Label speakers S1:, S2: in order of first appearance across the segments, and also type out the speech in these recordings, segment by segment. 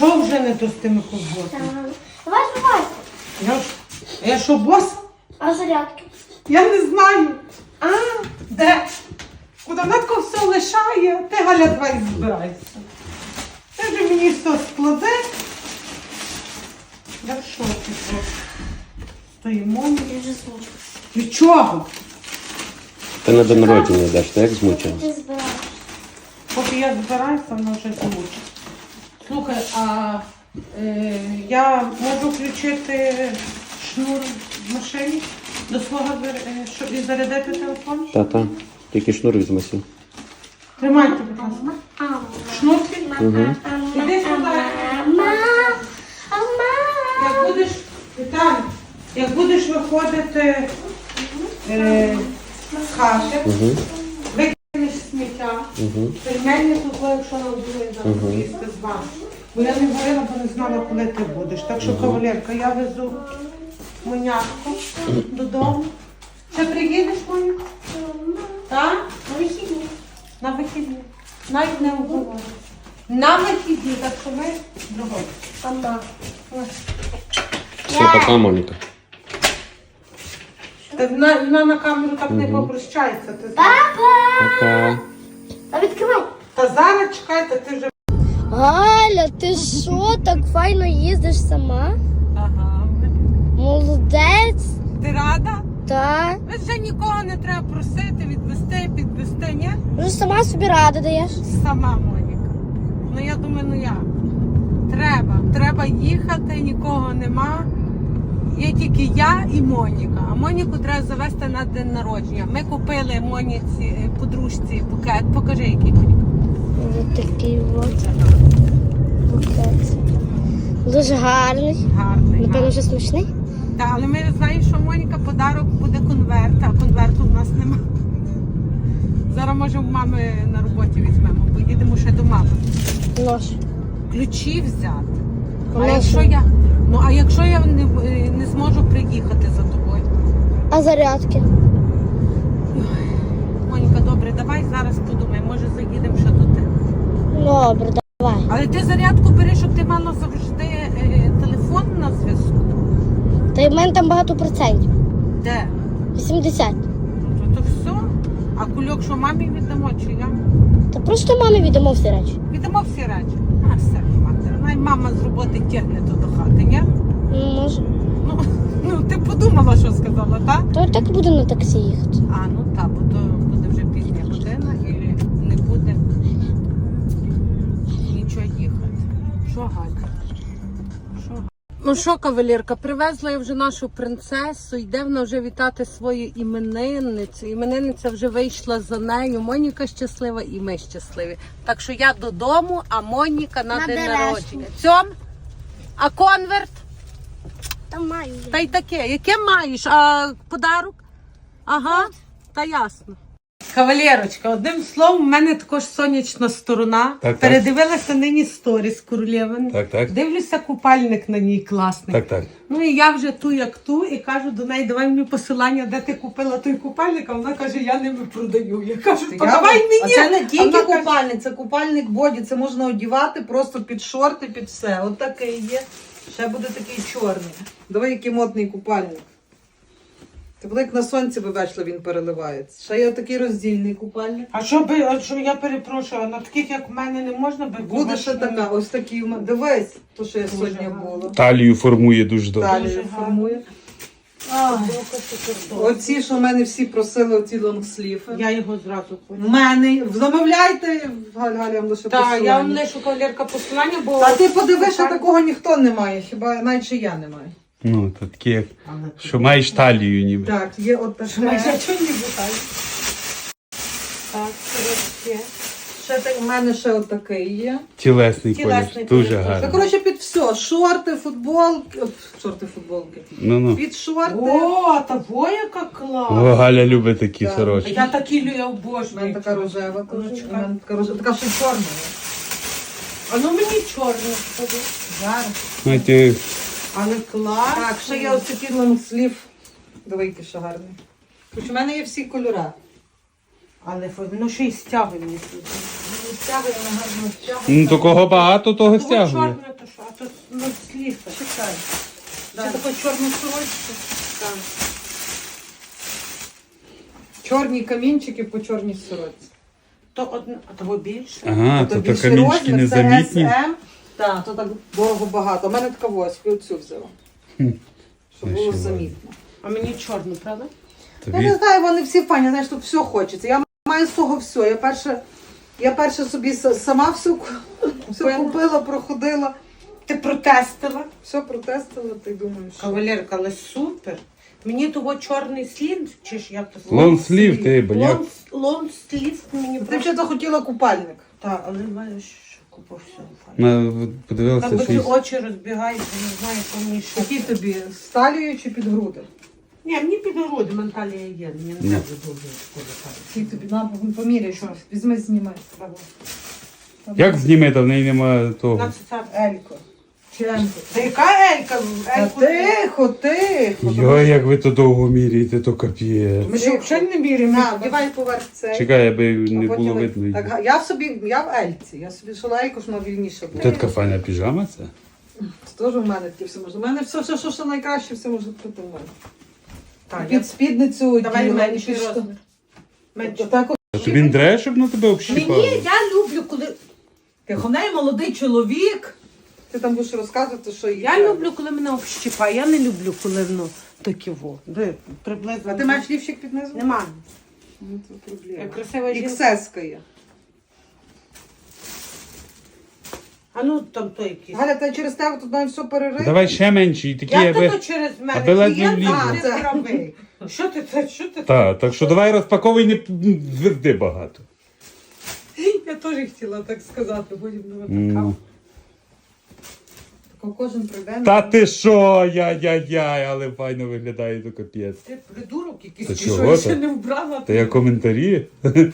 S1: Що вже не то з тими ковбосами?
S2: Давай збивайся.
S1: Я що, бос?
S2: А зарядки?
S1: Я не знаю. А, де? Куди вона тако все лишає? Ти, Галя, давай збирайся. Ти вже мені все складе. Я в шокі просто. Стоїмо.
S2: Я вже змучу.
S1: Від чого?
S3: Ти на день народження йдеш, ти як змучена?
S2: Ти збираєш.
S1: Поки я збираюся, вона вже змучить. Слухай, а я можу включити шнур в машині до свого, щоб і зарядити телефон?
S3: Та. Тільки шнур візьмися.
S1: Тримайте, будь ласка. Шнурки? Іди сюди. Як будеш, Віталій, як будеш виходити з хати, викинеш сміття, пельмені тут, якщо нам буде зараз їсти з вами. Бо я не говорила, бо не знала, коли ти будеш. Так що, кавалерка, я везу Монятку додому. Ще приїдеш, Моня? Так?
S2: На вихідні.
S1: На вихідні. Навіть не обговорюємо. На вихідні, так що ми другої.
S2: Мама.
S3: Все, пока, Моніка.
S1: Вона на камеру так не попрощається. Ти знаєш.
S2: Папа!
S3: Пока.
S2: Та відкривай.
S1: Та зараз чекайте, ти вже...
S2: Галя, ти що, так файно їздиш сама?
S1: Ага.
S2: Молодець.
S1: Ти рада?
S2: Так.
S1: Вже нікого не треба просити, відвести, підвести, ні?
S2: Вже сама собі ради даєш.
S1: Сама, Моніка. Ну я думаю, ну як? Треба їхати, нікого нема. Є тільки я і Моніка. А Моніку треба завести на день народження. Ми купили Моніці, подружці букет. Покажи, який, Моніка.
S2: Ось такий от букет. Дуже гарний.
S1: Гарний.
S2: Напевно, вже смачний.
S1: Так, але ми знаємо, що Моніка подарок буде конверт, а конверту в нас нема. Зараз, може, в мами на роботі візьмемо, поїдемо ще до мами.
S2: Нож.
S1: Ключі взяти. А
S2: Конечно.
S1: якщо я не зможу приїхати за тобою?
S2: А зарядки?
S1: Моніка, добре, давай зараз подумай, може заїдемо ще до тебе.
S2: Добре, давай.
S1: Але ти зарядку бери, щоб ти мала завжди телефон на зв'язку.
S2: Та й в мене там багато процентів.
S1: Де?
S2: 80.
S1: То все. А кульок, що мамі віддамо, чи я?
S2: Та просто мамі віддамо всі речі.
S1: Віддамо всі речі. А все, мати. Най мама з роботи тягне то до хати, ні?
S2: Може.
S1: Ну, ти подумала, що сказала, так?
S2: То і так буде на таксі їхати.
S1: А, ну так, бо то буде вже пізня година і не буде нічого їхати. Що, Галя? Що, Галя? Ну що, кавалерка, привезла я вже нашу принцесу, йде вона вже вітати свою іменинницю. Іменинниця вже вийшла за нею. Моніка щаслива і ми щасливі. Так що я додому, а Моніка на день народження. Цьом? А конверт?
S2: Там маю.
S1: Та й таке. Яке маєш? А подарок? Ага, та ясно. Кавалерочка, одним словом, в мене також сонячна сторона.
S3: Так.
S1: Передивилася нині сторіс Королєвини.
S3: Так.
S1: Дивлюся, купальник на ній класний.
S3: Так.
S1: Ну і я вже ту як ту, і кажу до неї, давай мені посилання, де ти купила той купальник, а вона каже, я ними продаю. Я кажу, подавай мені.
S4: А це не
S1: А
S4: тільки
S1: вона каже,
S4: купальник, це купальник боді, це можна одягати просто під шорти, під все. От такий є. Ще буде такий чорний. Давай, який модний купальник. Це буде як на сонці вийшло, він переливається. Ще є такий роздільний купальник.
S1: А що я перепрошую, на таких як в мене не можна би
S4: Буде ще така, ось такий. Дивись, то, що я сьогодні було.
S3: Талію формує дуже добре.
S4: Далі
S1: Дуже
S4: формує. Оці, що в мене всі просили, оці лонгсліфи.
S1: Я його зразу хочу.
S4: В мене, замовляйте, Галя, я вам лише
S1: Так,
S4: посилання.
S1: я вам лишу кавалерка посилання, бо...
S4: А ти подивись, що такого ніхто не має, хіба навіть я не маю.
S3: Ну, то таке, як, що маєш талію ніби.
S4: Так, є от таке.
S1: Майже чого не бухаю. Так, коротше.
S4: Ще так, в мене ще от такий є.
S3: Тілесний
S1: Тілесний
S3: колір, дуже
S1: колір.
S4: Це,
S3: гарний.
S4: коротше, під все. Шорти, футболки. Шорти, футболки.
S3: Ну.
S4: Під шорти.
S1: О, та во яка клас.
S3: О, Галя любить такі
S4: Так.
S3: сорочки.
S1: Я такі я
S4: У
S1: обожнюю.
S4: мене така рожева.
S1: Ну,
S4: теж. У
S1: чекай.
S4: мене така рожева. Така ще й чорна.
S1: А ну мені чорне скажи.
S4: Зараз.
S3: Знаєте,
S1: Але клас.
S4: Так, ще є ось такий лонгслів. Давай, який ще гарний. Коротше, у мене є всі кольори.
S1: Але ну ще й стягує мені тут.
S4: Стягує, вона гарно стягує.
S3: ну то кого багато, того стягує.
S1: Чорне, то що? Ну, сліфа.
S4: Чекай.
S1: Да.
S4: Чи таку чорну сорочку?
S1: Так.
S4: Чорні камінчики по чорній сорочці.
S1: То одне, а того більше.
S3: Ага, то
S4: більший
S3: камінчики
S4: розмір, це
S3: незамітні.
S4: SM. Так, то так дорого багато. У мене така ось, оцю взяла. Щоб було
S3: Наші
S4: замітно.
S1: А мені чорну, правда?
S4: Я
S3: Тобі
S4: не знаю, вони всі фані, знаєш, тут все хочеться. Я маю з того все. Я перше собі сама все купила, проходила,
S1: Ти протестила?
S4: все протестила, ти думаєш. що?
S1: Кавалерка, але супер. Мені того чорний слів, чи ж як то
S3: лонслів, ти, боняк.
S1: Лонг слів мені
S4: Ти
S1: просто.
S4: вже захотіла купальник.
S1: Так, але маєш, що купив все.
S3: Подивилася,
S1: Так би
S3: що
S1: ці
S3: із-
S1: очі розбігаються, не знаю, що мені ще.
S4: Які тобі, з талією чи під груди?
S1: Ні, мені під груди менталія є, мені не треба дуже шкода.
S4: Які тобі, на, поміряй, що? Візьми, знімай.
S3: Як зніме, та в неї немає того.
S1: На це.
S4: Елько. Чи Емко?
S1: Та яка Елька?
S4: Та тихо, тихо.
S3: Йой, як ви то довго міряєте, то капіє.
S1: Ми ж взагалі не віримо.
S4: На, вдівай поверх цей.
S3: Чекай, аби не
S4: А потім
S3: було
S4: ви-
S3: видно.
S4: Так, я в Ельці. Я собі шила Ельку, що вона вільніше була.
S3: Тут така файна піжама це?
S4: Це теж у мене таке все можна. У мене все, що найкраще, все може бути в мене.
S1: Так,
S4: Під спідницю
S1: давай
S4: оділа,
S1: менший
S4: і під
S1: розмір. Менший.
S4: Так,
S3: А тобі не треба, щоб на тебе общіпало?
S1: Мені, я люблю, коли...
S4: Тихоней молодий чоловік. Ти там будеш розказувати, що
S1: Я люблю, коли мене общипає. Я не люблю, коли воно таке во. Де, приблизно.
S4: А ти маєш лівчик під низом?
S1: Нема.
S4: Ну, це проблема.
S1: Я красива жінка.
S4: Іксеска є.
S1: А ну там то якийсь.
S4: Галя, та через тебе тут має все перерити.
S3: Давай ще менші, такі,
S1: Як
S3: аби...
S1: то через мене?
S3: аби ледве
S1: Клієнт,
S3: влізло.
S1: а, це правий. Що ти це? Що ти?
S3: Так, так що давай розпаковуй, не зверди багато.
S1: Я теж хотіла так сказати, потім не
S3: Ну.
S4: Тако кожен прийде.
S3: Та ти що, яй-яй-яй, але файно виглядає, то капець.
S1: Ти придурок якийсь,
S3: Та
S1: чи
S3: чого
S1: що я
S3: ти?
S1: ще не вбрала?
S3: Та я коментарі?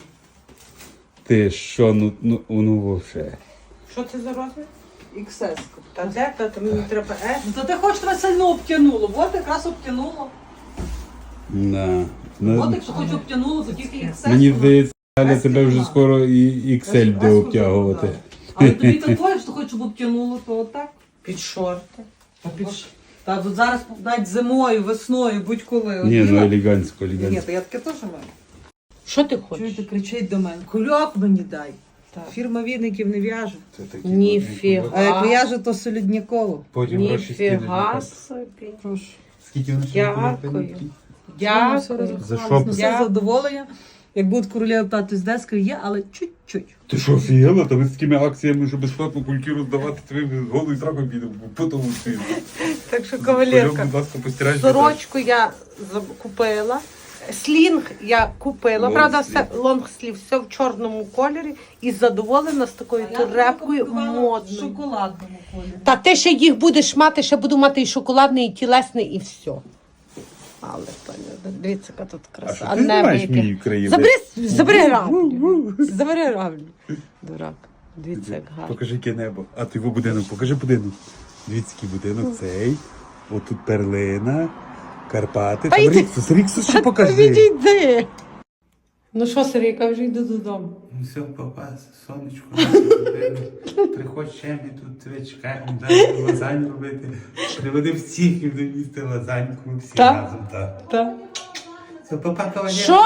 S3: Ти що, ну вовше.
S1: Що це за розмір?
S4: Іксеска.
S1: Та де? Та мені треба
S4: Ну то ти хочеш тебе сильно обтянуло. От якраз обтянуло.
S3: Да.
S4: От якщо хоч обтянуло, то тільки іксеска.
S3: Мені здається, Галя,
S4: Ески
S3: тебе вже
S4: нема.
S3: скоро і XL буде обтягувати.
S4: Але тобі такое, що хочеш, щоб обтянуло, то отак.
S1: Під шорти.
S4: Та тут зараз навіть зимою, весною, будь-коли.
S3: Ні, ну
S4: оділа.
S3: елегантсько,
S4: Ні,
S3: елегантсько.
S4: то я таке теж маю.
S1: Що ти хочеш?
S4: Чуєте, кричить до мене. Кульок мені дай. Фірма віників не в'яже.
S1: Ніфіга.
S4: А як в'яже, то солідніково.
S3: Потім гроші
S1: Ніфіга
S3: скинуть.
S1: собі.
S4: Прошу.
S3: Скільки воно
S1: Дякую.
S4: Все
S1: Дякую.
S3: За що?
S4: Все
S1: Я-
S4: задоволення. Як будуть королеви тати з дескою, є, але чуть-чуть.
S3: Ти що, офігела? Та ви з такими акціями, що безплатно кульки роздавати, тобі голий зраком підемо, потім ти.
S1: Так що,
S3: Кульок,
S1: кавалерка,
S3: будь ласка, постирай.
S1: сорочку я купила. Слінг я купила, правда, все лонгслів, все в чорному кольорі і задоволена з такою турепкою модною.
S4: шоколадному кольорі.
S1: Та ти ще їх будеш мати, ще буду мати і шоколадний, і тілесний, і все. Але, пані, дивіться, яка тут краса.
S3: А що ти знімаєш
S1: вийти.
S3: мій краєвид?
S1: Забери граблю. Забери граблю. Дурак. Дивіться, як гарно.
S3: Покажи яке небо. А ти його будинок, покажи будинок. Дивіться, який будинок цей. Отут перлина, Карпати.
S1: Та
S3: Там
S1: йди.
S3: Ріксус ще покажи.
S1: Відійди. Ну що, Сергійка, вже йду додому.
S5: Ну все, папа, сонечко, приходь ще, ми тут тебе чекаємо, дай лазань робити. Приведи всіх і будемо їсти лазаньку всі
S1: Так.
S5: разом. Так.
S1: Так.
S5: Все, папа, кавалер.
S1: Що?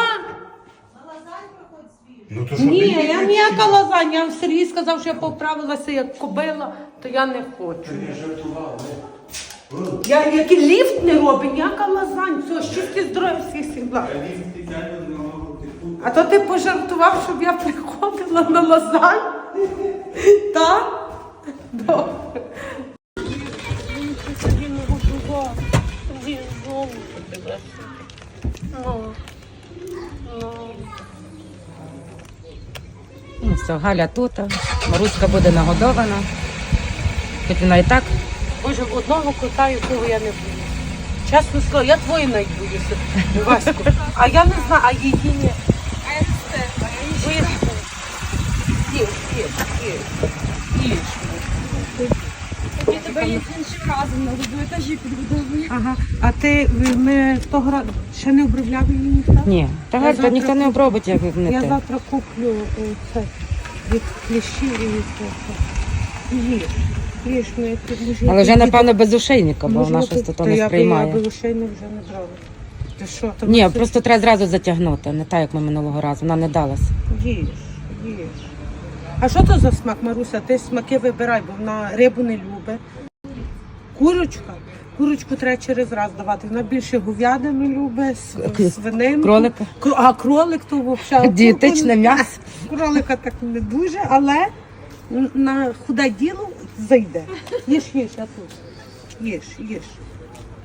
S3: Ну то що
S1: Ні,
S3: ти?
S1: я ніяка лазанья. Сергій сказав, що я поправилася як кобила, то я не хочу. Я який ліфт не робить, ніяка лазань. Все, щастя, здоров'я, всіх благ. А то ти пожартував, щоб я приходила на лазань? Так? Добре.
S6: Ну все, Галя тут, Маруська буде нагодована. Хоч вона і так.
S1: Боже, одного кота, якого я не боюся. Чесно слово, я твої навіть боюся, Ваську. А я не знаю, а її ні. А я не знаю. Їж.
S2: Я тебе іншим разом на етажі підбудовую.
S1: Ага. А ти, ми того ще не обробляли її ніхто?
S6: Ні, та
S1: Я
S6: Галь,
S1: завтра
S6: ніхто не обробить, як не
S1: Я
S6: ти.
S1: завтра куплю це від кліщів і від цього. Їж, ми тут
S6: Але вже, напевно, без ошейника, бо вона щось то
S1: Та
S6: не
S1: я
S6: сприймає.
S1: би ошейник вже не брала. Ти що, то
S6: Ні,
S1: ми
S6: просто треба зразу затягнути, не так, як ми минулого разу. Вона не далась.
S1: їж. А що то за смак, Маруся? Ти смаки вибирай, бо вона рибу не любить. Курочка. Курочку треба через раз давати. Вона більше говядину любить, свининку.
S6: Кролика.
S1: А кролик то взагалі.
S6: Дієтичне м'ясо.
S1: Кролика так не дуже, але на худе діло зайде. Їж, а тут. Їж.